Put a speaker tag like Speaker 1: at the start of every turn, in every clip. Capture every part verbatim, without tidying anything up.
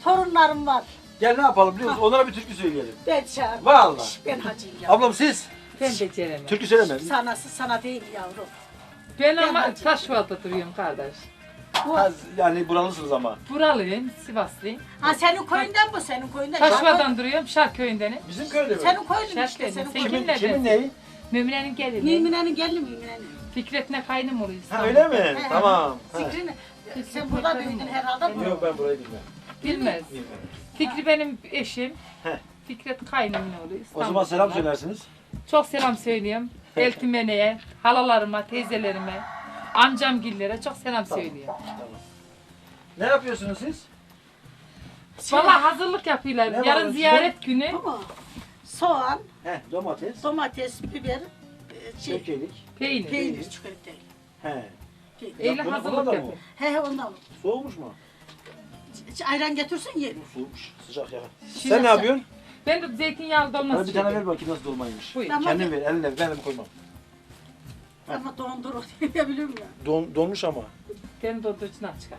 Speaker 1: torunlarım var.
Speaker 2: Gel ne yapalım biliyor musun? Onlara bir türkü söyleyelim.
Speaker 1: Ben çağırmam.
Speaker 2: Vallahi.
Speaker 1: Ben hacıyım ya.
Speaker 2: Ablam siz?
Speaker 3: Ben beceremem.
Speaker 2: Türkü söyleme.
Speaker 1: Sanası sana değil yavrum.
Speaker 3: Ben
Speaker 1: Ben
Speaker 3: ama
Speaker 1: hacı.
Speaker 3: Taşval'da duruyorum kardeş.
Speaker 2: Ha, yani buralısınız ama.
Speaker 3: Buralıyım, Sivaslıyım.
Speaker 1: Ha senin köyünden bu, senin köyünden.
Speaker 3: Taşval'dan duruyorum, Şarköy'ündenim.
Speaker 2: Bizim köyde mi?
Speaker 1: Senin köyün işte,
Speaker 3: Şarköy'den.
Speaker 1: senin
Speaker 3: Sen
Speaker 1: köyün.
Speaker 2: Kimin,
Speaker 3: Kimin
Speaker 2: kimin
Speaker 3: nerede?
Speaker 2: neyi?
Speaker 3: Mümine'nin gelini.
Speaker 1: Mümine'nin gelini Mümine'nin.
Speaker 3: Fikret'ine kaynım oluyor
Speaker 2: Ha
Speaker 3: İstanbul'da.
Speaker 2: öyle mi?
Speaker 1: He, he.
Speaker 2: Tamam. Ha.
Speaker 1: Fikrini, sen burada büyüdün herhalde. Bu.
Speaker 2: Yok ben burayı bilmem.
Speaker 3: Bilmez.
Speaker 2: Bilmem.
Speaker 3: Fikri benim eşim.
Speaker 2: Heh.
Speaker 3: Fikret kaynımın oluyor
Speaker 2: O
Speaker 3: İstanbul'da.
Speaker 2: zaman selam söylersiniz.
Speaker 3: Çok selam söylüyorum. Eltimene'ye, halalarıma, teyzelerime, amcamgillere çok selam söylüyorum.
Speaker 2: Ne yapıyorsunuz siz?
Speaker 3: Valla hazırlık yapıyorlar.
Speaker 2: Ne var
Speaker 3: Yarın
Speaker 2: onun
Speaker 3: ziyaret günü.
Speaker 1: Bu mu? Soğan,
Speaker 2: He, domates,
Speaker 1: domates, biber, e, şey,
Speaker 2: çökelik.
Speaker 3: Peynir.
Speaker 1: peynir çıkıyor değil.
Speaker 2: He.
Speaker 1: Peynir.
Speaker 3: Eyle
Speaker 2: Ya bunu-
Speaker 3: hazırlık
Speaker 2: buna da mı?
Speaker 3: yapıyor.
Speaker 1: He he ondan.
Speaker 2: Soğumuş mu?
Speaker 1: Ç- Ayran getirsin yiyelim.
Speaker 2: Soğumuş. Sıcak ya.
Speaker 3: Şimdi
Speaker 2: Sen ne yapıyorsun?
Speaker 3: Ben de zeytinyağlı dolması
Speaker 2: Bana bir tane ver
Speaker 3: çekiyorum.
Speaker 2: bakayım nasıl dolmaymış.
Speaker 3: Buyur.
Speaker 1: Tamam.
Speaker 2: Kendin ver, eline ver. Ben elim koymam.
Speaker 1: Ama dondurur diye biliyorum ya.
Speaker 2: Don, donmuş ama.
Speaker 3: Benim dondurucudan çıkar.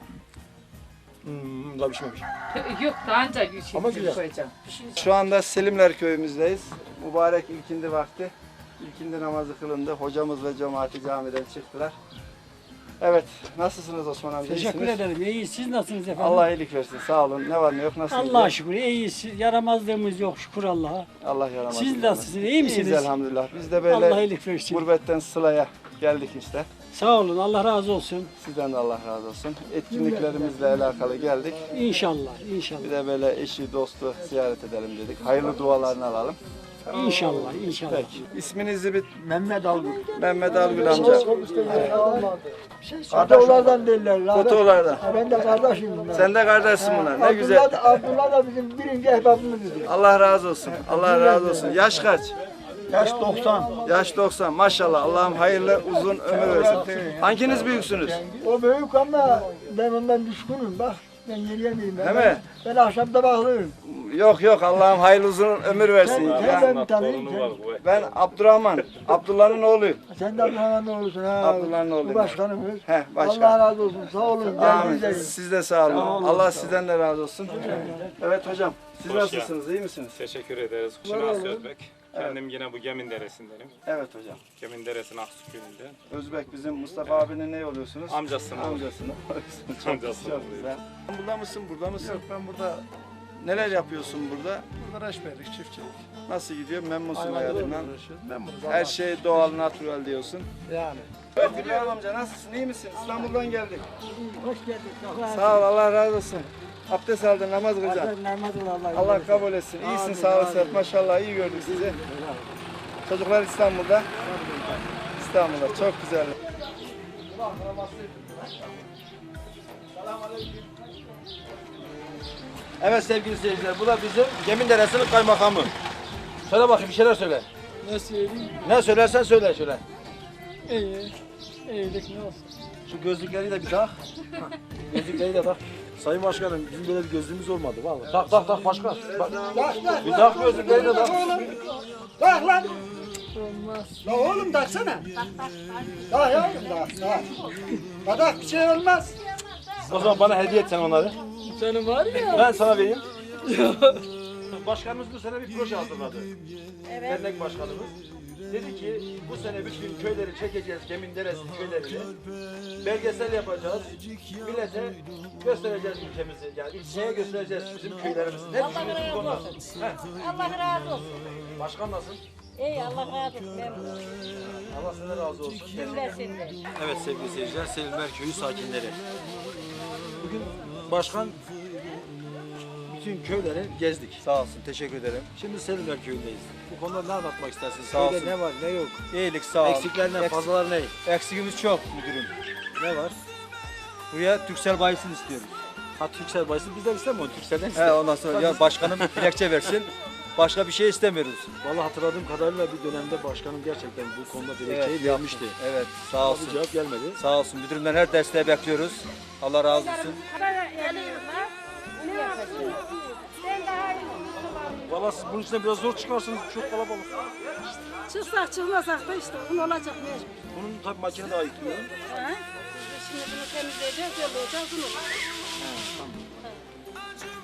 Speaker 2: Hmm, daha pişmemiş.
Speaker 3: Yok da ancak bir şey
Speaker 2: Ama güzel.
Speaker 3: koyacağım.
Speaker 4: Şu anda Selimler köyümüzdeyiz. Mübarek ilkindi vakti. İlkindi namazı kılındı. Hocamız ve cemaati camiden çıktılar. Evet, nasılsınız Osman amca?
Speaker 5: Teşekkür
Speaker 4: İyisiniz?
Speaker 5: ederim. İyi, siz nasılsınız efendim?
Speaker 4: Allah iyilik versin. Sağ olun. Ne var ne yok nasıl
Speaker 5: Allah'a
Speaker 4: gidiyor?
Speaker 5: şükür iyiyiz. Yaramazlığımız yok şükür Allah'a.
Speaker 4: Allah yaramaz.
Speaker 5: Siz nasılsınız? İyi misiniz?
Speaker 4: İyiyiz elhamdülillah. Biz de böyle
Speaker 5: Allah iyilik versin.
Speaker 4: gurbetten sılaya geldik işte.
Speaker 5: Sağ olun. Allah razı olsun.
Speaker 4: Sizden de Allah razı olsun. Etkinliklerimizle alakalı geldik.
Speaker 5: İnşallah. İnşallah.
Speaker 4: Bir de böyle eşi dostu ziyaret edelim dedik. Hayırlı dualarını alalım.
Speaker 5: İnşallah. İnşallah.
Speaker 4: Peki. İsminizi bir
Speaker 2: Mehmet Algül.
Speaker 4: Mehmet Algül amca.
Speaker 6: Fotoğraflardan derler. lan.
Speaker 4: Fotoğraflardan.
Speaker 6: Ha, ben de kardeşim bunlar.
Speaker 4: Sen de kardeşsin bunlar. Ne güzel.
Speaker 6: Abdullah, Abdullah da bizim birinci ehbabımızdır.
Speaker 4: Allah razı olsun. Allah razı olsun. Yaş kaç?
Speaker 6: Yaş doksan.
Speaker 4: Yaş doksan. Maşallah. Allah'ım hayırlı uzun ömür versin. Hanginiz büyüksünüz?
Speaker 6: O büyük ama ben ondan düşkünüm bak. Ben yürüyemeyim. Ben,
Speaker 4: Değil mi?
Speaker 6: Ben akşamda bakıyorum.
Speaker 4: Yok yok. Allah'ım hayırlı uzun ömür versin.
Speaker 6: Sen,
Speaker 4: Ya,
Speaker 6: sen ben tanıyayım.
Speaker 4: ben Abdurrahman. Abdullah'ın oğluyum.
Speaker 6: Sen, sen de Abdullah'ın oğlusun ha.
Speaker 4: Abdullah'ın oğluyum.
Speaker 6: Bu başkanımız.
Speaker 4: Heh, başkan.
Speaker 6: Allah razı olsun. Sağ olun.
Speaker 4: Amin.
Speaker 6: Geldiniz.
Speaker 4: Siz de sağ olun. Allah sizden de razı olsun. Evet hocam. Siz nasılsınız? İyi misiniz?
Speaker 7: Teşekkür ederiz. Şinas Özbek. Kendim yine bu Gemin Deresi'ndenim.
Speaker 4: Evet hocam.
Speaker 7: Gemin Deresi'nin Aksu köyünde.
Speaker 4: Özbek bizim Mustafa abinin ne oluyorsunuz?
Speaker 7: Amcasının oğlu.
Speaker 4: Amcasını. çok,
Speaker 7: Amcasının
Speaker 4: çok
Speaker 7: oğlu.
Speaker 4: güzel. Burada mısın? Burada mısın? Yok ben burada. Neler yapıyorsun burada?
Speaker 6: Burada reşberlik, çiftçilik.
Speaker 4: Nasıl gidiyor? Memnunsun hayatından.
Speaker 6: Memnunuz.
Speaker 4: Her şey doğal, natural diyorsun.
Speaker 6: Yani.
Speaker 4: Evet İbrahim amca nasılsın? İyi misin? İstanbul'dan geldik.
Speaker 6: Hoş geldin. Allah
Speaker 4: Sağ ol, Allah razı olsun. Abdest aldın, namaz kılacaksın.
Speaker 6: Allah.
Speaker 4: Allah kabul etsin. İyisin, sağ olasın. Maşallah iyi gördük sizi. Çocuklar İstanbul'da. İstanbul'da. Çok güzel.
Speaker 2: Evet sevgili seyirciler, bu da bizim Gemin Deresi'nin kaymakamı. Söyle bakayım bir şeyler söyle.
Speaker 5: Ne söyleyeyim?
Speaker 2: Ne söylersen söyle şöyle.
Speaker 5: İyi. İyilik ne olsun?
Speaker 2: Şu gözlükleri de bir tak. Gözlükleri de tak. Sayın Başkanım bizim böyle bir gözlüğümüz olmadı vallahi. Tak tak tak başkan. Bak. Bir tak gözlükleri de tak.
Speaker 6: Bak lan.
Speaker 5: Olmaz.
Speaker 6: La oğlum taksana. Daha yavrum daha. Daha. Kadak bir şey olmaz.
Speaker 2: O zaman bana hediye et sen onları.
Speaker 5: Senin var ya.
Speaker 2: Ben sana vereyim. Başkanımız bu sene bir proje hazırladı. Dernek başkanımız. Dedi ki bu sene bütün köyleri çekeceğiz, Gemin Deresi köylerini. Belgesel yapacağız. Millete göstereceğiz ülkemizi. Yani ülkeye göstereceğiz bizim köylerimizi. Ne düşünüyorsun bu konuda?
Speaker 8: Allah razı olsun.
Speaker 2: Başkan nasıl?
Speaker 8: İyi Allah razı olsun. Memnun.
Speaker 2: Allah senden razı olsun.
Speaker 8: Cümlesinden.
Speaker 2: Evet sevgili seyirciler, Selimler Köyü sakinleri. Bugün başkan bütün köyleri gezdik.
Speaker 4: Sağ olsun. Teşekkür ederim.
Speaker 2: Şimdi Selimler Köyü'ndeyiz. Bu konuda ne anlatmak istersiniz?
Speaker 4: Sağ
Speaker 2: Köyde
Speaker 4: olsun.
Speaker 2: ne var ne yok?
Speaker 4: İyilik sağ ol.
Speaker 2: Eksikler ne?
Speaker 4: Eks-
Speaker 2: Fazlalar ne?
Speaker 4: Eksikimiz çok müdürüm.
Speaker 2: Ne var?
Speaker 4: Buraya Türksel bayisini istiyoruz.
Speaker 2: Ha Türksel bayisi bizden istemiyor. Türksel'den
Speaker 4: He
Speaker 2: istiyor.
Speaker 4: ondan sonra ya başkanım dilekçe versin. Başka bir şey istemiyoruz.
Speaker 2: Vallahi hatırladığım kadarıyla bir dönemde başkanım gerçekten bu konuda dilekçeyi
Speaker 4: Evet,
Speaker 2: vermişti.
Speaker 4: Evet sağ
Speaker 2: Ama
Speaker 4: olsun.
Speaker 2: bir cevap gelmedi.
Speaker 4: Sağ olsun. Müdürümden her desteği bekliyoruz. Allah razı olsun.
Speaker 2: Vallahi siz bunun içine biraz zor çıkarsınız. Çok kalabalık.
Speaker 8: Çıksak çıkmasak da işte un olacak mecbur.
Speaker 2: Bunun tabii makine daha yüklüyor.
Speaker 8: Ha? Şimdi bunu temizleyeceğiz, yollayacağız, un olacak.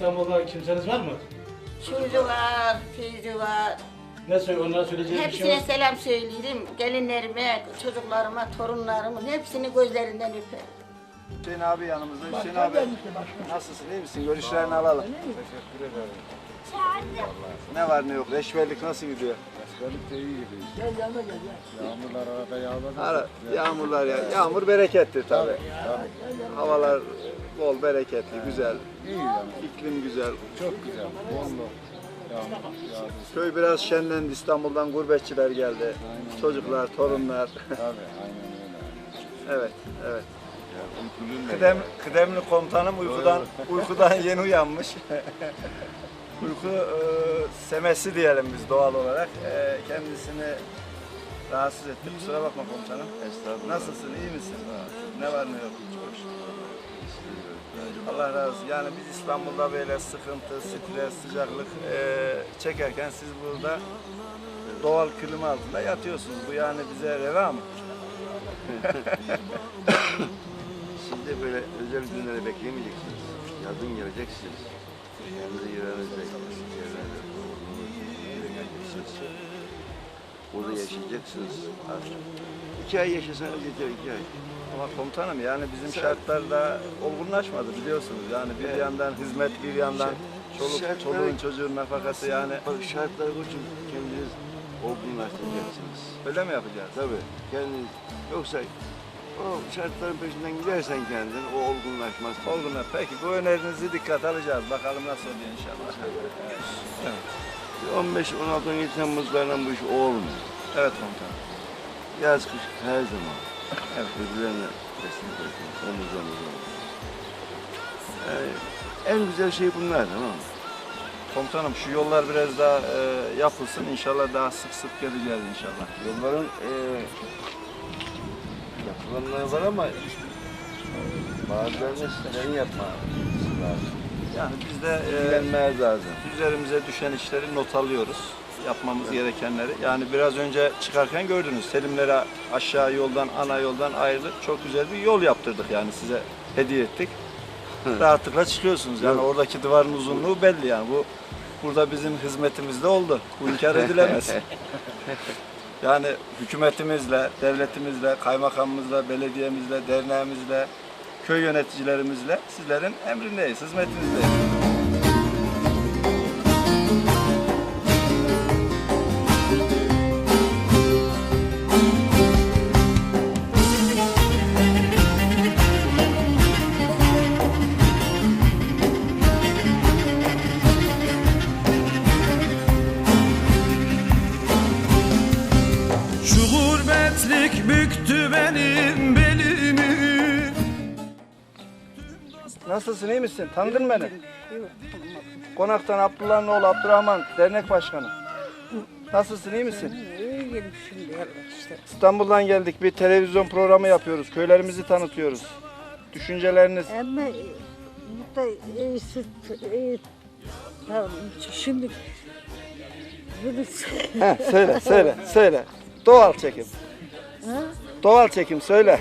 Speaker 9: İstanbul'da kimseniz var mı?
Speaker 10: Şucu var, Feyzi var.
Speaker 9: Ne söyle, onlara söyleyeceğiniz bir şey var
Speaker 10: Hepsine
Speaker 9: mı?
Speaker 10: selam söylerim. Gelinlerime, çocuklarıma, torunlarımın hepsini gözlerinden öperim.
Speaker 4: Hüseyin abi yanımızda. Hüseyin abi nasılsın, iyi misin? Görüşlerini alalım.
Speaker 6: Teşekkür ederim.
Speaker 4: Ne var ne yok? Reşverlik nasıl gidiyor?
Speaker 6: Askerlik de iyi gidiyor. Gel yanına gel ya. Yağmurlar arada yağmadı.
Speaker 4: Ara, yağmurlar ya. Yağmur bereketli tabii.
Speaker 6: Tabii.
Speaker 4: Havalar bol, bereketli, güzel.
Speaker 6: İyi yani.
Speaker 4: İklim güzel.
Speaker 6: Çok güzel. Bollu. Yağmur yağdı.
Speaker 4: Köy biraz şenlendi. İstanbul'dan gurbetçiler geldi.
Speaker 6: Aynen.
Speaker 4: Çocuklar, torunlar.
Speaker 6: Tabii aynen öyle.
Speaker 4: Evet, evet.
Speaker 6: Ya, uykuluyum da
Speaker 4: Kıdem,
Speaker 6: ya.
Speaker 4: kıdemli komutanım uykudan uykudan yeni uyanmış. Uyku e, semesi diyelim biz doğal olarak. E, kendisini rahatsız etti. Kusura bakma komutanım.
Speaker 6: Estağfurullah.
Speaker 4: Nasılsın, iyi misin? Ne var ne yok? Çok şükür. Allah razı olsun. Yani biz İstanbul'da böyle sıkıntı, stres, sıcaklık e, çekerken siz burada doğal klima altında yatıyorsunuz. Bu yani bize reva mı?
Speaker 11: Siz de böyle özel günleri bekleyemeyeceksiniz. Yazın geleceksiniz. Kendi yerenizde geleceksiniz. Burada yaşayacaksınız artık. İki ay yaşasanız yeter, iki ay.
Speaker 4: Ama komutanım yani bizim şartlarda olgunlaşmadı biliyorsunuz. Yani bir
Speaker 11: Evet.
Speaker 4: yandan hizmet, bir yandan çoluk,
Speaker 11: Şartları-
Speaker 4: çoluğun çocuğun nafakası yani.
Speaker 11: Bak şartları için kendiniz olgunlaştıracaksınız.
Speaker 4: Öyle mi yapacağız?
Speaker 11: Tabii kendiniz. Yoksa o şartların peşinden gidersen kendin o olgunlaşmaz.
Speaker 4: Olgunlar. Peki bu önerinizi dikkat alacağız. Bakalım nasıl oluyor inşallah. Evet.
Speaker 11: on beş on altı on yedi Temmuzlarla bu iş olmuyor.
Speaker 4: Evet komutanım.
Speaker 11: Yaz kış her zaman.
Speaker 4: Evet.
Speaker 11: Birbirlerine destek oluyor. Omuz omuz omuz. Yani en güzel şey bunlar, tamam mı?
Speaker 4: Komutanım şu yollar biraz daha e, yapılsın. İnşallah daha sık sık geleceğiz inşallah.
Speaker 11: Yolların e, yapılanları var ama bazılarını sizlerin yapması lazım.
Speaker 4: Yani biz de e,
Speaker 11: İlgilenmez lazım.
Speaker 4: üzerimize düşen işleri not alıyoruz. Yapmamız gerekenleri. Yani biraz önce çıkarken gördünüz. Selimlere aşağı yoldan, ana yoldan ayrılıp çok güzel bir yol yaptırdık yani size hediye ettik. Rahatlıkla çıkıyorsunuz. Yani
Speaker 11: Yok.
Speaker 4: oradaki duvarın uzunluğu belli yani. Bu burada bizim hizmetimizde oldu. Bu inkar edilemez. Yani hükümetimizle, devletimizle, kaymakamımızla, belediyemizle, derneğimizle, köy yöneticilerimizle sizlerin emrindeyiz, hizmetinizdeyiz.
Speaker 12: Şu gurbetlik büktü benim belimi.
Speaker 4: Nasılsın, iyi misin? Tanıdın beni. Konaktan Abdullah'ın oğlu Abdurrahman, dernek başkanı. Nasılsın, iyi misin?
Speaker 8: İyiyim şimdi işte.
Speaker 4: İstanbul'dan geldik, bir televizyon programı yapıyoruz. Köylerimizi tanıtıyoruz. Düşünceleriniz?
Speaker 8: Ama burada iyisi, iyi, tamam, şimdi bunu
Speaker 4: Heh, söyle, söyle, söyle. Doğal çekim.
Speaker 8: Ha?
Speaker 4: Doğal çekim, söyle.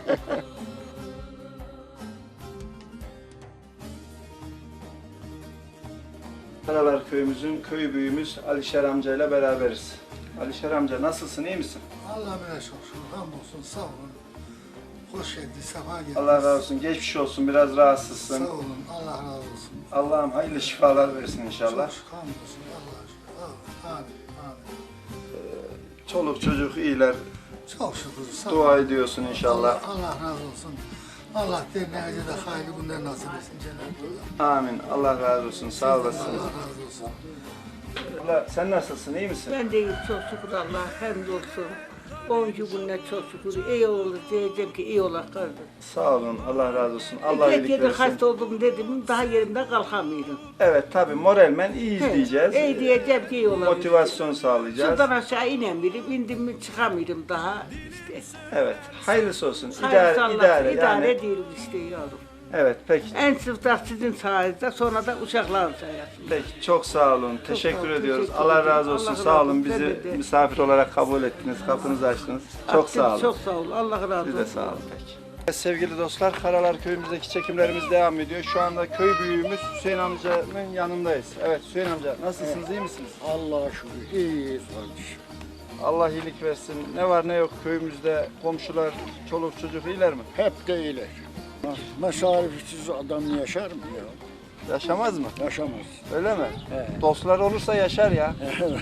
Speaker 4: Karalar köyümüzün köy büyüğümüz Alişer amcayla beraberiz. Alişer amca nasılsın, iyi misin?
Speaker 6: Allah'a emanet olsun. Hamdolsun. Sağ olun. Hoş geldiniz. Sefa geldiniz.
Speaker 4: Allah razı olsun. Geçmiş olsun. Biraz rahatsızsın.
Speaker 6: Sağ olun. Allah razı olsun.
Speaker 4: Allah'ım hayırlı şifalar versin inşallah.
Speaker 6: Çok şükür. Hamdolsun. Allah'a şükür. Amin. Amin.
Speaker 4: Çoluk çocuk iyiler.
Speaker 6: Çok şükür. Sağ
Speaker 4: Dua
Speaker 6: olun.
Speaker 4: ediyorsun inşallah.
Speaker 6: Allah, Allah razı olsun. Allah derneğimize de hayırlı günler nasip etsin Cenab-ı Allah.
Speaker 4: Amin. Allah razı olsun. Sağ olasın.
Speaker 6: Allah razı olsun.
Speaker 4: Allah, sen nasılsın? İyi misin?
Speaker 10: Ben de iyiyim, çok şükür Allah, hamdolsun. Oncu günler çok şükür, iyi olur diyeceğim ki iyi ola kardeşim.
Speaker 4: Sağ olun. Allah razı olsun. Allah
Speaker 10: Tek
Speaker 4: iyilik
Speaker 10: yerde
Speaker 4: versin.
Speaker 10: hasta oldum dedim, daha yerimde kalkamıyorum.
Speaker 4: Evet tabii moralmen iyiyiz
Speaker 10: He,
Speaker 4: diyeceğiz.
Speaker 10: iyi diyeceğim ki iyi olur.
Speaker 4: Motivasyon sağlayacağız.
Speaker 10: Şuradan aşağı inemiyorum, indim mi çıkamıyorum daha işte.
Speaker 4: Evet. Hayırlısı olsun.
Speaker 10: Hayırlısı
Speaker 4: İdare,
Speaker 10: Allah,
Speaker 4: idare,
Speaker 10: idare
Speaker 4: yani.
Speaker 10: ediyoruz işte yavrum.
Speaker 4: Evet peki.
Speaker 10: En sıfta sizin sayenizde, sonra da uşakların sayesinde.
Speaker 4: Peki çok sağ olun. teşekkür
Speaker 10: sağ olun,
Speaker 4: ediyoruz.
Speaker 10: teşekkür
Speaker 4: Allah
Speaker 10: ederim.
Speaker 4: razı olsun.
Speaker 10: Allah
Speaker 4: sağ
Speaker 10: razı
Speaker 4: olun.
Speaker 10: olsun.
Speaker 4: Bizi
Speaker 10: Ben de.
Speaker 4: misafir olarak kabul ettiniz. Kapınızı açtınız. Çok
Speaker 10: Açtın,
Speaker 4: sağ olun.
Speaker 10: Çok sağ olun. Allah razı olsun.
Speaker 4: Siz de sağ olun. Peki. Sevgili dostlar, Karalar köyümüzdeki çekimlerimiz devam ediyor. Şu anda köy büyüğümüz Hüseyin amcanın yanındayız. Evet Hüseyin amca, nasılsınız, iyi misiniz?
Speaker 6: Allah'a şükür iyiyiz kardeşim.
Speaker 4: Allah iyilik versin. Ne var ne yok köyümüzde, komşular, çoluk çocuk iyiler mi?
Speaker 6: Hep de iyiler. Meşarifsiz adam yaşar mı ya?
Speaker 4: Yaşamaz mı?
Speaker 6: Yaşamaz.
Speaker 4: Öyle mi?
Speaker 6: He.
Speaker 4: Dostlar olursa yaşar ya.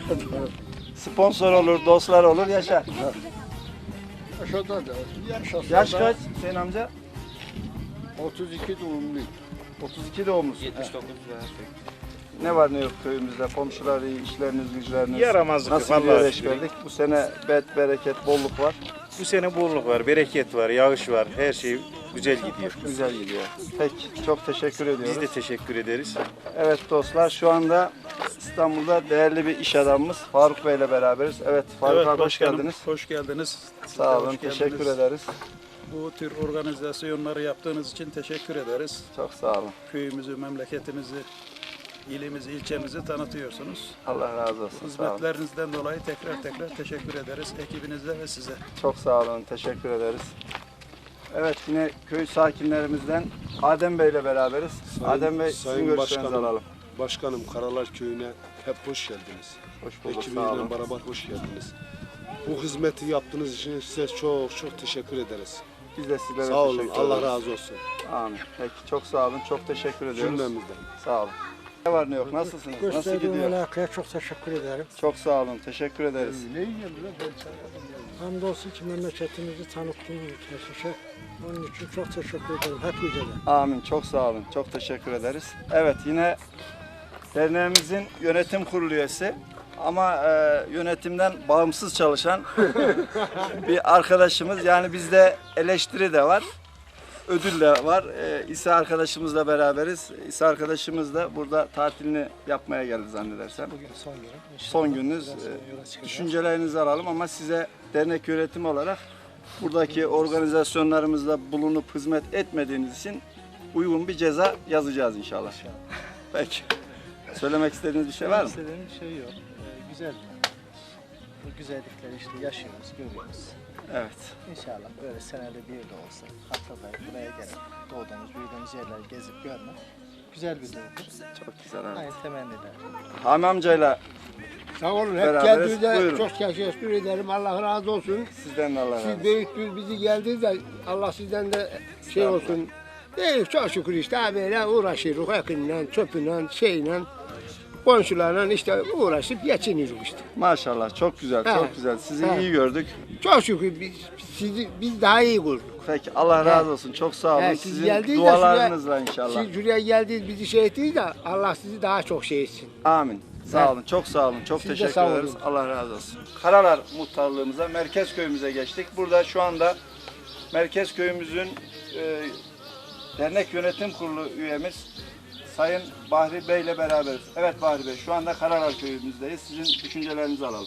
Speaker 4: Sponsor olur, dostlar olur, yaşar.
Speaker 6: Yaşada da, yaşasa
Speaker 4: Yaş
Speaker 6: da
Speaker 4: kaç Hüseyin amca?
Speaker 6: otuz iki doğumluyum.
Speaker 4: otuz iki doğumlusun.
Speaker 7: yetmiş dokuz.
Speaker 4: Ne var ne yok köyümüzde, komşular iyi, işleriniz, güçleriniz.
Speaker 7: Yaramazlık
Speaker 4: Nasıl
Speaker 7: vallahi
Speaker 4: gidiyor
Speaker 7: şükür.
Speaker 4: eşberlik? Bu sene bet, bereket, bolluk var.
Speaker 7: Bu sene bolluk var, bereket var, yağış var. Her şey güzel gidiyor.
Speaker 4: Güzel gidiyor. Peki, çok teşekkür ediyoruz.
Speaker 7: Biz de teşekkür ederiz.
Speaker 4: Evet dostlar, şu anda İstanbul'da değerli bir iş adamımız Faruk Bey ile beraberiz. Evet Faruk
Speaker 13: Evet,
Speaker 4: abi hoş
Speaker 13: başkanım,
Speaker 4: geldiniz.
Speaker 13: Hoş geldiniz.
Speaker 4: Sağ olun,
Speaker 13: Hoş geldiniz.
Speaker 4: teşekkür ederiz.
Speaker 13: Bu tür organizasyonları yaptığınız için teşekkür ederiz.
Speaker 4: Çok sağ olun.
Speaker 13: Köyümüzü, memleketimizi, ilimizi, ilçemizi tanıtıyorsunuz.
Speaker 4: Allah razı olsun. Sağ olun.
Speaker 13: Hizmetlerinizden dolayı tekrar tekrar teşekkür ederiz ekibinize ve size.
Speaker 4: Çok sağ olun, teşekkür ederiz. Evet yine köy sakinlerimizden Adem Bey ile beraberiz.
Speaker 14: Sayın-
Speaker 4: Adem Bey sizin
Speaker 14: Sayın
Speaker 4: görüşlerinizi
Speaker 14: Başkanım,
Speaker 4: alalım.
Speaker 14: Başkanım Karalar Köyü'ne hep hoş geldiniz.
Speaker 4: Hoş bulduk, sağ
Speaker 14: Ekibinizle
Speaker 4: olun.
Speaker 14: beraber hoş geldiniz. Bu hizmeti yaptığınız için size çok çok teşekkür ederiz.
Speaker 4: Biz de sizlere
Speaker 14: Sağ olun,
Speaker 4: teşekkür
Speaker 14: Allah
Speaker 4: ederiz.
Speaker 14: razı olsun.
Speaker 4: Amin. Peki çok sağ olun, çok teşekkür ediyoruz.
Speaker 14: Cümlemizden.
Speaker 4: Sağ olun. Ne var ne yok, nasılsınız? Nasıl
Speaker 6: Gösterdiğin
Speaker 4: gidiyor?
Speaker 6: alakaya çok teşekkür ederim.
Speaker 4: Çok sağ olun, teşekkür ederiz.
Speaker 6: Ne yiyeyim lan ben sana? Hamdolsun ki memleketimizi tanıttığınız için. Onun için çok teşekkür ederim. Hepinize de.
Speaker 4: Amin, çok sağ olun, çok teşekkür ederiz. Evet yine derneğimizin yönetim kurulu üyesi ama e, yönetimden bağımsız çalışan bir arkadaşımız. Yani bizde eleştiri de var, ödül de var. E, İsa arkadaşımızla beraberiz. İsa arkadaşımız da burada tatilini yapmaya geldi zannedersem.
Speaker 9: Bugün son günüm.
Speaker 4: Son gününüz. E, düşüncelerinizi alalım ama size dernek yönetimi olarak buradaki organizasyonlarımızda bulunup hizmet etmediğiniz için uygun bir ceza yazacağız inşallah. Peki. Söylemek istediğiniz bir şey var mı?
Speaker 9: İstediğim bir şey yok. Ee, güzel. Bu güzellikleri işte yaşıyoruz, görüyoruz.
Speaker 4: Evet.
Speaker 9: İnşallah böyle senede bir de olsa haftada buraya gelip doğduğumuz, büyüdüğümüz yerleri gezip görmek güzel bir duygu.
Speaker 4: Çok güzel abi.
Speaker 9: Aynı temenniler.
Speaker 4: Hami amcayla
Speaker 6: Sağ olun. Hep
Speaker 4: beraberiz.
Speaker 6: geldiğinizde
Speaker 4: Buyurun.
Speaker 6: çok teşekkür ederim. Allah razı olsun.
Speaker 4: Sizden de Allah razı
Speaker 6: Siz
Speaker 4: olsun.
Speaker 6: büyüktünüz, bizi geldiniz de Allah sizden de şey olsun. Değil, çok şükür işte böyle uğraşıyoruz. Yakınla, çöpüyle, şeyle, komşularla işte uğraşıp geçiniyoruz işte.
Speaker 4: Maşallah çok güzel,
Speaker 6: Ha.
Speaker 4: çok güzel. Sizi
Speaker 6: Ha.
Speaker 4: iyi gördük.
Speaker 6: Çok şükür biz, sizi, biz daha iyi gördük.
Speaker 4: Peki Allah razı olsun. Çok sağ olun.
Speaker 6: He, siz
Speaker 4: Sizin
Speaker 6: geldiniz de
Speaker 4: dualarınızla
Speaker 6: şuraya-
Speaker 4: inşallah.
Speaker 6: Siz şuraya geldiniz, bizi şey ettiniz de Allah sizi daha çok şey etsin.
Speaker 4: Amin. Sağ
Speaker 6: He.
Speaker 4: olun, çok sağ olun, çok
Speaker 6: Siz de
Speaker 4: teşekkür
Speaker 6: sağ olun.
Speaker 4: ederiz. Allah razı olsun. Karalar muhtarlığımıza, merkez köyümüze geçtik. Burada şu anda merkez köyümüzün e, dernek yönetim kurulu üyemiz Sayın Bahri Bey ile beraberiz. Evet Bahri Bey, şu anda Karalar köyümüzdeyiz. Sizin düşüncelerinizi alalım.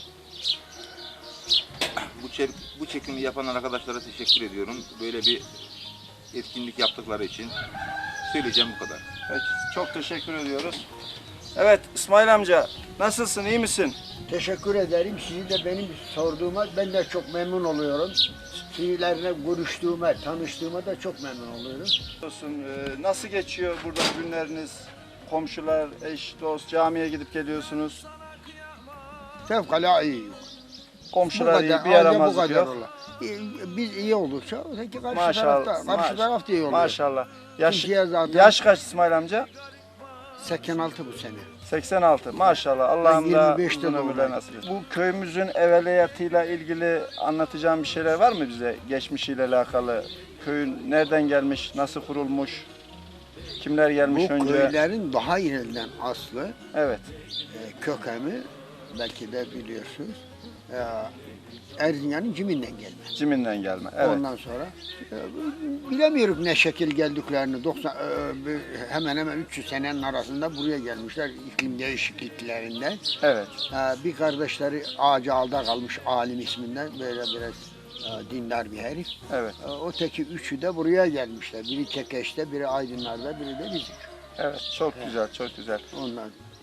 Speaker 15: Bu, çek, bu çekimi yapan arkadaşlara teşekkür ediyorum. Böyle bir etkinlik yaptıkları için söyleyeceğim bu kadar.
Speaker 4: Peki, çok teşekkür ediyoruz. Evet İsmail amca, nasılsın, iyi misin?
Speaker 6: Teşekkür ederim. Sizi de benim sorduğuma ben de çok memnun oluyorum. Sizlerle görüştüğüme, tanıştığıma da çok memnun oluyorum.
Speaker 4: Olsun, e, nasıl geçiyor burada günleriniz? Komşular, eş, dost, camiye gidip geliyorsunuz.
Speaker 6: Fevkalade iyi.
Speaker 4: Komşular iyi, bir
Speaker 6: ancak
Speaker 4: yaramazlık
Speaker 6: bu kadar
Speaker 4: yok.
Speaker 6: olur. İyi- Biz iyi olursa öteki karşı
Speaker 4: Maşallah,
Speaker 6: tarafta, karşı
Speaker 4: maş-
Speaker 6: taraf da iyi oluyor.
Speaker 4: Maşallah. Yaş,
Speaker 6: Türkiye zaten-
Speaker 4: yaş kaç İsmail amca?
Speaker 6: seksen altı bu sene.
Speaker 4: seksen altı. Maşallah. Allah'ım da
Speaker 6: yirmi beşte
Speaker 4: uzun ömürler
Speaker 6: doğdum.
Speaker 4: nasip etsin. Bu köyümüzün evveliyatıyla ilgili anlatacağım bir şeyler var mı bize? Geçmişiyle alakalı. Köyün nereden gelmiş, nasıl kurulmuş, kimler gelmiş
Speaker 6: Bu
Speaker 4: önce?
Speaker 6: köylerin daha ileriden aslı,
Speaker 4: Evet.
Speaker 6: e, kökeni belki de biliyorsunuz. E, Erzincan'ın Cimin'den gelme.
Speaker 4: Cimin'den gelme. Evet.
Speaker 6: Ondan sonra e, bilemiyoruz ne şekil geldiklerini. doksan e, bir- hemen hemen üç yüz senenin arasında buraya gelmişler iklim değişikliklerinden.
Speaker 4: Evet.
Speaker 6: E, bir kardeşleri ağacı alda kalmış alim isminden böyle biraz e, dindar bir herif.
Speaker 4: Evet.
Speaker 6: E, o teki üçü de buraya gelmişler. Biri Kekeş'te, biri Aydınlar'da, biri de bizim.
Speaker 4: Evet, çok güzel, çok güzel.
Speaker 6: Ondan.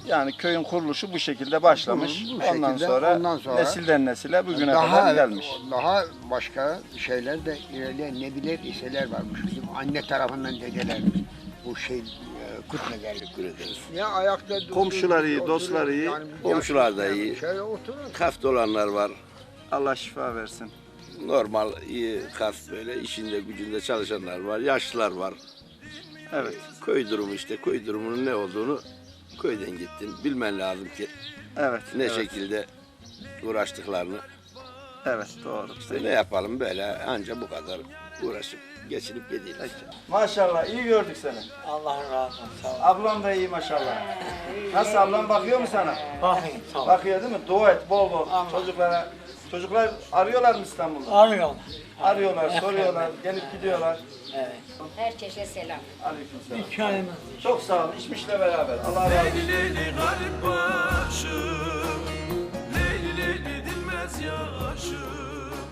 Speaker 4: Yani köyün kuruluşu bu şekilde başlamış.
Speaker 6: Bu
Speaker 4: ondan,
Speaker 6: şekilde,
Speaker 4: sonra
Speaker 6: ondan sonra
Speaker 4: nesilden nesile bugüne
Speaker 6: daha,
Speaker 4: kadar gelmiş.
Speaker 6: Daha başka şeyler de ilerleyen nebiler, iseler varmış. Bizim anne tarafından dedelerimiz. Bu şey e, Kürtmelerlik. Ya ayakta durdur,
Speaker 4: Komşular iyi,
Speaker 6: oturur,
Speaker 4: dostlar iyi.
Speaker 6: yani
Speaker 11: Komşular da iyi.
Speaker 6: Şöyle oturur.
Speaker 11: Kaft olanlar var.
Speaker 4: Allah şifa versin.
Speaker 11: Normal iyi kaft böyle işinde gücünde çalışanlar var. Yaşlılar var.
Speaker 4: Evet.
Speaker 11: Köy durumu işte. Köy durumunun ne olduğunu köyden gittin. Bilmen lazım ki
Speaker 4: Evet.
Speaker 11: ne
Speaker 4: evet.
Speaker 11: şekilde uğraştıklarını.
Speaker 4: Evet doğru.
Speaker 11: İşte ne yapalım böyle anca bu kadar uğraşıp geçinip gidiyoruz.
Speaker 4: Maşallah iyi gördük seni.
Speaker 5: Allah razı olsun. Sağ ol.
Speaker 4: Ablam da iyi maşallah. Nasıl ablam bakıyor mu sana?
Speaker 5: Bakayım sağ ol.
Speaker 4: Bakıyor değil mi? Dua et bol bol çocuklara. Çocuklar arıyorlar mı İstanbul'da?
Speaker 5: Arıyorum.
Speaker 4: Arıyorlar, soruyorlar, gelip gidiyorlar.
Speaker 5: Evet.
Speaker 8: Herkese selam.
Speaker 4: Aleykümselam.
Speaker 5: Hikayemiz.
Speaker 4: Çok sağ olun. İçmişle beraber. Allah razı olsun.
Speaker 12: Leyli garip başım, Leyli leyli dinmez yaşım.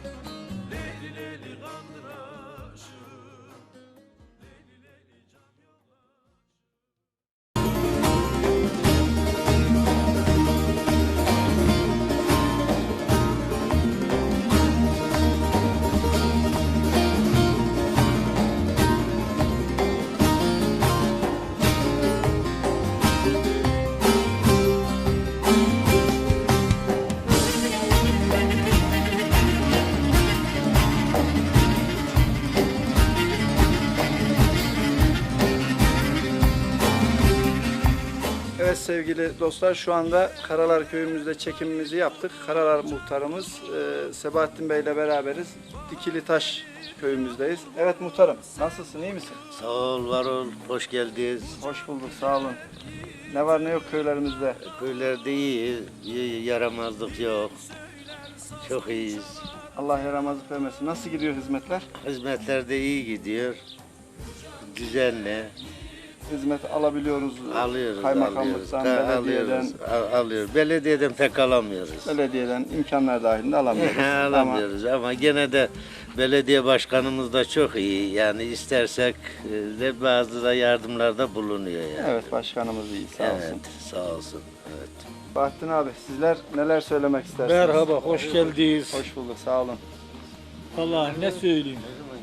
Speaker 4: Evet sevgili dostlar, şu anda Karalar köyümüzde çekimimizi yaptık. Karalar muhtarımız e, Sebahattin Bey ile beraberiz. Dikilitaş köyümüzdeyiz. Evet muhtarım, nasılsın, iyi misin?
Speaker 16: Sağ ol, var ol, hoş geldiniz.
Speaker 4: Hoş bulduk, sağ olun. Ne var ne yok köylerimizde?
Speaker 16: Köylerde iyi, iyi, yaramazlık yok. Çok iyiyiz.
Speaker 4: Allah yaramazlık vermesin. Nasıl gidiyor hizmetler?
Speaker 16: Hizmetler de iyi gidiyor. Düzenli.
Speaker 4: Hizmet alabiliyoruz.
Speaker 16: Alıyoruz,
Speaker 4: Kaymakamlıktan,
Speaker 16: alıyoruz.
Speaker 4: belediyeden.
Speaker 16: Alıyoruz, al- alıyoruz. Belediyeden pek alamıyoruz.
Speaker 4: Belediyeden imkanlar dahilinde alamıyoruz.
Speaker 16: alamıyoruz ama... ama gene de belediye başkanımız da çok iyi. Yani istersek e, de bazı da yardımlarda bulunuyor yani.
Speaker 4: Evet, başkanımız iyi, sağ olsun.
Speaker 16: Evet, sağ olsun. Evet.
Speaker 4: Bahattin abi, sizler neler söylemek istersiniz?
Speaker 5: Merhaba, hoş geldiniz.
Speaker 4: Hoş bulduk, sağ olun.
Speaker 5: Vallahi ne söyleyeyim.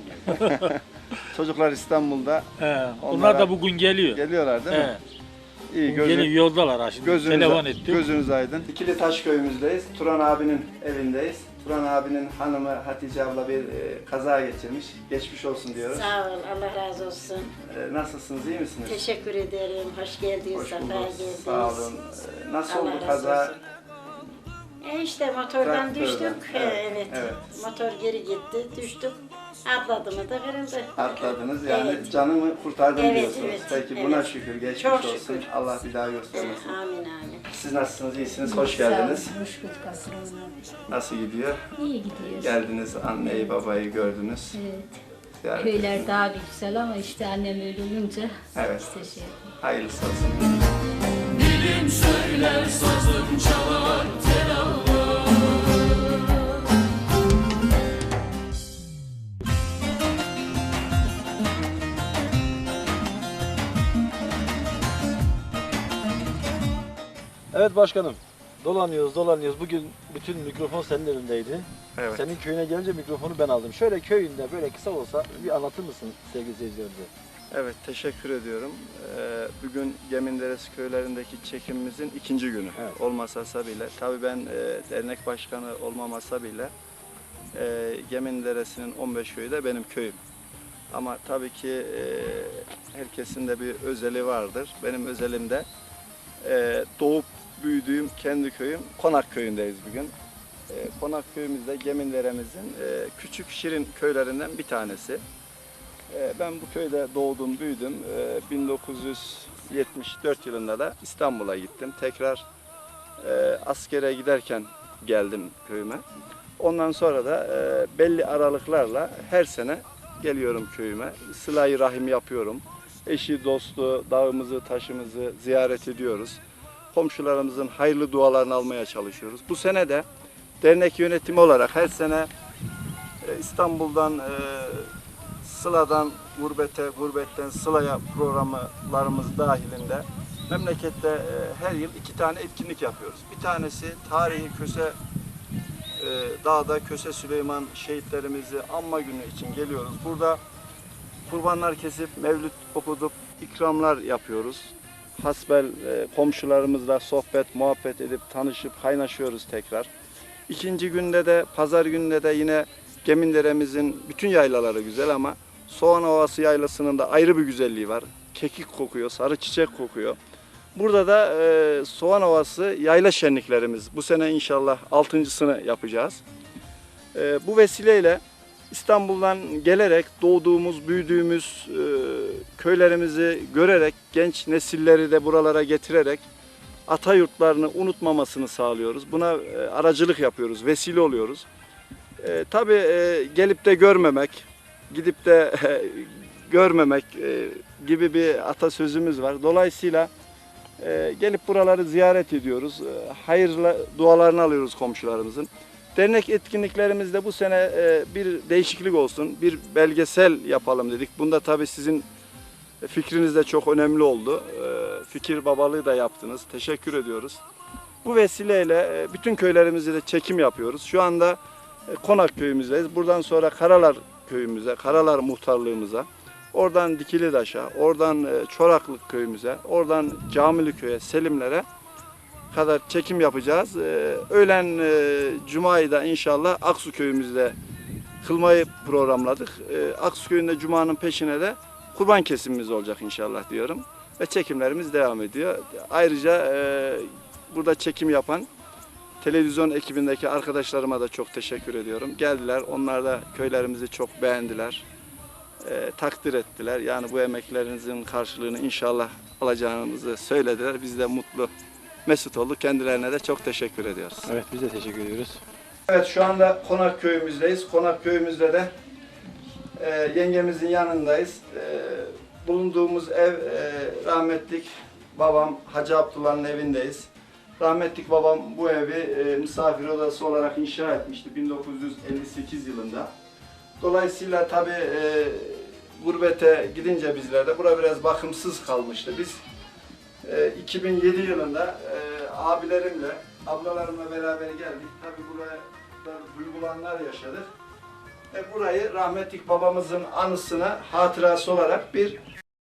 Speaker 4: Çocuklar İstanbul'da.
Speaker 5: He, onlar
Speaker 4: Onlara
Speaker 5: da bugün geliyor.
Speaker 4: Geliyorlar değil mi?
Speaker 5: He.
Speaker 4: İyi,
Speaker 5: Bugün geliyor, yoldalar ha şimdi.
Speaker 4: Gözünüz,
Speaker 5: Telefon ettim.
Speaker 4: Gözünüz aydın. Dikilitaş köyümüzdeyiz. Turan abinin evindeyiz. Turan abinin hanımı Hatice abla bir e, kaza geçirmiş. Geçmiş olsun diyoruz.
Speaker 8: Sağ ol, Allah razı olsun.
Speaker 4: E, nasılsınız, iyi misiniz?
Speaker 8: Teşekkür ederim, hoş geldiniz,
Speaker 4: Hoş
Speaker 8: sefa
Speaker 4: bulduk,
Speaker 8: geldiniz.
Speaker 4: sağ olun. E, nasıl
Speaker 8: Allah
Speaker 4: oldu
Speaker 8: razı
Speaker 4: kaza?
Speaker 8: olsun. E işte motordan
Speaker 4: Traktörden,
Speaker 8: düştük.
Speaker 4: evet,
Speaker 8: He, evet.
Speaker 4: evet.
Speaker 8: Motor geri gitti, düştük. Atladı mı da kırıldı.
Speaker 4: Atladınız yani
Speaker 8: Evet.
Speaker 4: canımı kurtardım
Speaker 8: Evet,
Speaker 4: diyorsunuz.
Speaker 8: evet,
Speaker 4: Peki buna
Speaker 8: evet.
Speaker 4: şükür, geçmiş
Speaker 8: Çok
Speaker 4: olsun.
Speaker 8: şükür.
Speaker 4: Allah bir daha göstermesin.
Speaker 8: Amin amin.
Speaker 4: Siz nasılsınız, iyisiniz, hoş geldiniz.
Speaker 17: Hoş bulduk Aslan
Speaker 4: Nasıl gidiyor?
Speaker 17: İyi gidiyoruz.
Speaker 4: Geldiniz, anneyi babayı gördünüz.
Speaker 17: Evet.
Speaker 4: Ziyaret
Speaker 17: Köyler
Speaker 4: ettiniz.
Speaker 17: daha bir güzel ama işte annem öyle olunca
Speaker 4: Evet.
Speaker 17: işte şey
Speaker 4: Hayırlısı olsun.
Speaker 12: Dilim söyler, sazım çalar, tel ağlar.
Speaker 2: Evet başkanım. Dolanıyoruz, dolanıyoruz. Bugün bütün mikrofon senin elindeydi.
Speaker 4: Evet.
Speaker 2: Senin köyüne gelince mikrofonu ben aldım. Şöyle köyünde böyle kısa olsa bir anlatır mısın sevgili seyircilerimize?
Speaker 4: Evet, teşekkür ediyorum. Ee, bugün Geminderesi köylerindeki çekimimizin ikinci günü
Speaker 2: Evet.
Speaker 4: olmasa bile. Tabii ben e, dernek başkanı olmamasa bile e, Geminderesi'nin on beş köyü de benim köyüm. Ama tabii ki e, herkesin de bir özeli vardır. Benim özelim de e, doğup büyüdüğüm kendi köyüm Konak köyündeyiz bugün. E, Konak köyümüzde Geminderemizin e, küçük şirin köylerinden bir tanesi. E, ben bu köyde doğdum, büyüdüm. E, bin dokuz yüz yetmiş dört yılında da İstanbul'a gittim. Tekrar e, askere giderken geldim köyüme. Ondan sonra da e, belli aralıklarla her sene geliyorum köyüme. Sıla-i rahim yapıyorum. Eşi, dostu, dağımızı, taşımızı ziyaret ediyoruz. Komşularımızın hayırlı dualarını almaya çalışıyoruz. Bu sene de dernek yönetimi olarak her sene e, İstanbul'dan, e, Sıla'dan gurbete, gurbetten Sıla'ya programlarımız dahilinde memlekette e, her yıl iki tane etkinlik yapıyoruz. Bir tanesi tarihi Köse e, Dağda Köse Süleyman şehitlerimizi anma günü için geliyoruz. Burada kurbanlar kesip mevlüt okutup ikramlar yapıyoruz. Hasbel e, komşularımızla sohbet, muhabbet edip tanışıp kaynaşıyoruz tekrar. İkinci günde de pazar günde de yine Gemindere'mizin bütün yaylaları güzel ama Soğan Ovası yaylasının da ayrı bir güzelliği var. Kekik kokuyor, sarı çiçek kokuyor. Burada da e, Soğan Ovası yayla şenliklerimiz. Bu sene inşallah altıncısını yapacağız. E, bu vesileyle İstanbul'dan gelerek doğduğumuz, büyüdüğümüz e, köylerimizi görerek genç nesilleri de buralara getirerek ata yurtlarını unutmamasını sağlıyoruz. Buna e, aracılık yapıyoruz, vesile oluyoruz. E, tabii e, gelip de görmemek, gidip de e, görmemek e, gibi bir atasözümüz var. Dolayısıyla e, gelip buraları ziyaret ediyoruz. E, hayırlı dualarını alıyoruz komşularımızın. Dernek etkinliklerimizde bu sene e, bir değişiklik olsun, bir belgesel yapalım dedik. Bunda tabii sizin fikriniz de çok önemli oldu. E, fikir babalığı da yaptınız. Teşekkür ediyoruz. Bu vesileyle e, bütün köylerimizde de çekim yapıyoruz. Şu anda e, Konak köyümüzdeyiz. Buradan sonra Karalar köyümüze, Karalar muhtarlığımıza, oradan Dikilidaş'a, oradan e, Çoraklık köyümüze, oradan Camili köy'e, Selimlere kadar çekim yapacağız. Ee, öğlen e, Cuma'yı da inşallah Aksu köyümüzde kılmayı programladık. Ee, Aksu köyünde Cuma'nın peşine de kurban kesimimiz olacak inşallah diyorum. Ve çekimlerimiz devam ediyor. Ayrıca e, burada çekim yapan televizyon ekibindeki arkadaşlarıma da çok teşekkür ediyorum. Geldiler, onlar da köylerimizi çok beğendiler. E, takdir ettiler. Yani bu emeklerinizin karşılığını inşallah alacağımızı söylediler. Biz de mutlu mesut olduk. Kendilerine de çok teşekkür ediyoruz.
Speaker 5: Evet, biz de teşekkür ediyoruz.
Speaker 4: Evet, şu anda Konak köyümüzdeyiz. Konak köyümüzde de e, yengemizin yanındayız. E, bulunduğumuz ev e, rahmetlik babam Hacı Abdullah'ın evindeyiz. Rahmetlik babam bu evi e, misafir odası olarak inşa etmişti bin dokuz yüz elli sekiz yılında. Dolayısıyla tabii e, gurbete gidince bizler de bura biraz bakımsız kalmıştı. Biz iki bin yedi yılında e, abilerimle, ablalarımla beraber geldik. Tabii buraya duygulanlar yaşadık. Ve burayı rahmetlik babamızın anısına, hatırası olarak bir